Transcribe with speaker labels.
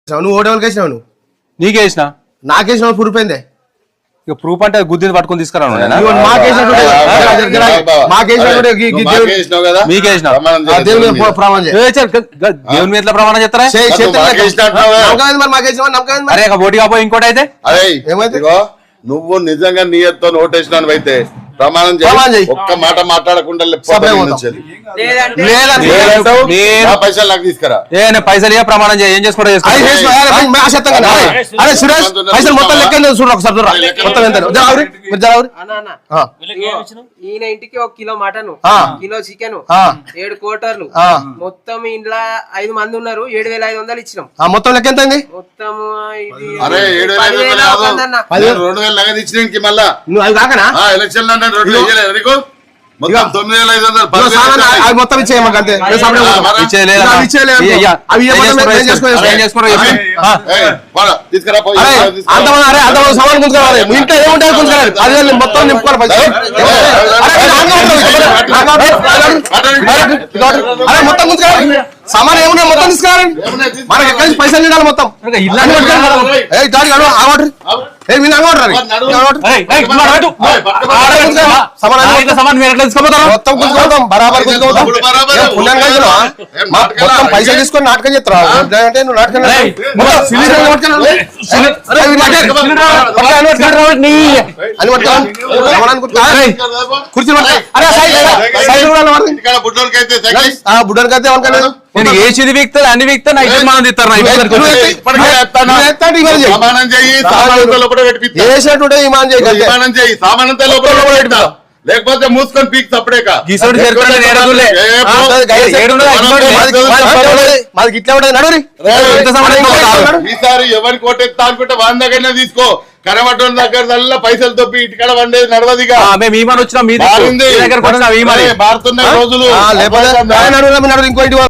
Speaker 1: నువ్వు ఓటేవాళ్ళకి వేసినావు నువ్వు
Speaker 2: నీకేసిన
Speaker 1: నాకేసిన ప్రూఫ్ ఏందే
Speaker 2: ఇక ప్రూఫ్ అంటే గుద్ది పట్టుకొని తీసుకురాను దేవుని మీద ఎట్లా ప్రమాణం చేస్తారా అరే ఓటు కాపోయి ఇంకోటి అయితే
Speaker 1: ఏమైతే
Speaker 3: నువ్వు నిజంగా నీయతో ఓటేసినావు అయితే ప్రమాణం చేయి ఒక్క మాట మాట్లాడకుండా పైసలు నాకు తీసుకురా
Speaker 2: పైసలు ప్రమాణం చేయి ఏం చేసుకోవడం
Speaker 1: పైసలు మొత్తం లెక్క చూడు ఒకసారి
Speaker 4: ఈయన ఇంటికి 1 కిలో మటన్ కిలో చికెన్ 7 క్వార్టర్లు మొత్తం ఇంట్లో 5 మంది ఉన్నారు 7,500 ఇచ్చినాం
Speaker 1: మొత్తం లెక్క ఎంత
Speaker 4: మొత్తం
Speaker 3: అరే 7,500 నగదు ఇచ్చినానికి మళ్ళా
Speaker 1: నువ్వు అది కాకనా
Speaker 3: ఎలక్షన్ నీకు మొత్తం 9,500
Speaker 1: మొత్తం ఇచ్చేయమ్మ అంతే సమాన్ గుంజుకోవాలి ఇంట్లో ఏముంటారు గుంజుకోవాలి అది మొత్తం నింపుకోవాలి మొత్తం గుంజుకోవాలి సామాన్ ఏమున్నా మొత్తం తీసుకురావాలి మనకి ఎక్కడి నుంచి పైసలు తినాలి మొత్తం మొత్తం పైసలు తీసుకొని నాటకం చేస్తారా అంటే నువ్వు నాటకం కుర్చీ బుడ్డకైతే
Speaker 2: నేను ఏది వీక్తుంది అన్ని వీక్తా మనం
Speaker 3: తిస్తారు లేకపోతే మూసుకొని పీక్ సపడేక ఈసారి ఎవరి కోటెత్తా అనుకుంటే వాళ్ళ దగ్గరనే తీసుకో కరమటం దగ్గర పైసలు తప్పి ఇటుకడ వండేది నడవదిగా
Speaker 2: మేము వచ్చినా మీ
Speaker 3: మారుతున్నాయి రోజులు
Speaker 1: ఇంకో